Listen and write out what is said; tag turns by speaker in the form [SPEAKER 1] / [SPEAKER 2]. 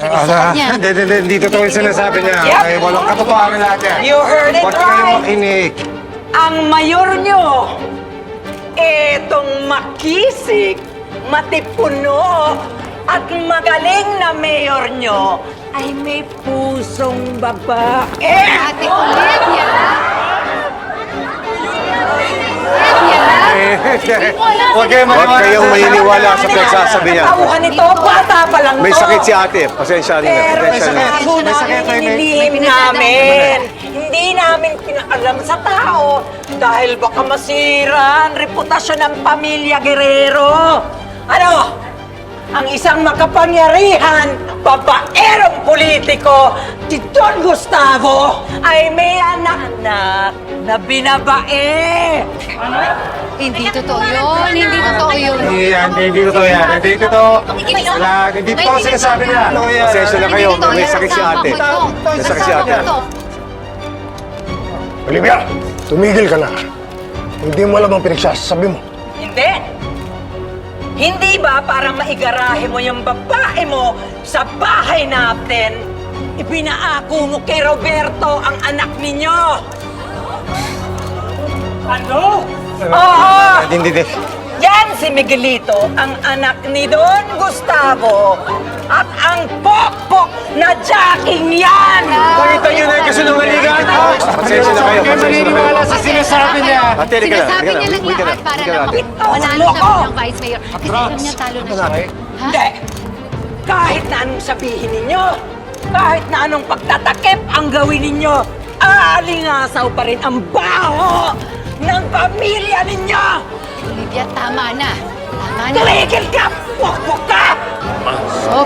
[SPEAKER 1] niya.
[SPEAKER 2] Hindi totoo yung sinasabi niya.
[SPEAKER 3] Yep.
[SPEAKER 2] Ay, walang katotohanan lahat yan.
[SPEAKER 3] You heard it
[SPEAKER 2] Huwag kayong
[SPEAKER 3] right.
[SPEAKER 2] makinig.
[SPEAKER 3] Ang mayor nyo, etong makisig, matipuno, at magaling na mayor nyo, ay may pusong babae.
[SPEAKER 1] Ate Olivia!
[SPEAKER 2] Huwag kayong maniniwala sa pinagsasabi niya.
[SPEAKER 3] Tauhan nito, bata pa lang
[SPEAKER 2] May
[SPEAKER 3] to.
[SPEAKER 2] sakit si ate. Pasensya rin.
[SPEAKER 3] Pero
[SPEAKER 2] Pasensya rin.
[SPEAKER 3] may sakit,
[SPEAKER 1] May
[SPEAKER 3] namin. Hindi namin pinaalam sa tao dahil baka masira ang reputasyon ng pamilya Guerrero. Ano? Ang isang makapangyarihan, babaerong politiko, si Don Gustavo, ay may anak-anak na binabae.
[SPEAKER 1] Hindi totoo yun. Hindi totoo yun.
[SPEAKER 2] Hindi totoo yan. Hindi totoo. Hindi totoo sinasabi niya. Pasensya na kayo. May sakit si ate. May sakit si ate.
[SPEAKER 4] Olivia, tumigil ka na. Hindi mo alam ang pinagsasabi mo.
[SPEAKER 3] Hindi. Hindi ba para maigarahe mo yung babae mo sa bahay natin, ipinaako mo kay Roberto ang anak ninyo? Ano? Oo!
[SPEAKER 2] Hindi.
[SPEAKER 3] Yan si Miguelito, ang anak ni Don Gustavo. At ang pokpok na jacking yan!
[SPEAKER 2] Nakita niyo na yung kasunungalingan? Pasensya na kayo. Pasensya na kayo.
[SPEAKER 5] sa sinasabi niya.
[SPEAKER 2] Ate, halika na.
[SPEAKER 1] Sinasabi niya lang
[SPEAKER 2] Halika na.
[SPEAKER 1] lahat para
[SPEAKER 2] Halika na,
[SPEAKER 1] lang
[SPEAKER 2] ate.
[SPEAKER 1] manalo
[SPEAKER 3] Loko!
[SPEAKER 1] na bilang vice mayor. Kasi alam niya talo na siya. Ha?
[SPEAKER 3] Hindi! Kahit na anong sabihin ninyo, kahit na anong pagtatakip ang gawin ninyo, aalingasaw pa rin ang baho ng pamilya ninyo!
[SPEAKER 1] Olivia, tama na. Tama na.
[SPEAKER 3] Tumigil ka! Pokpok ka!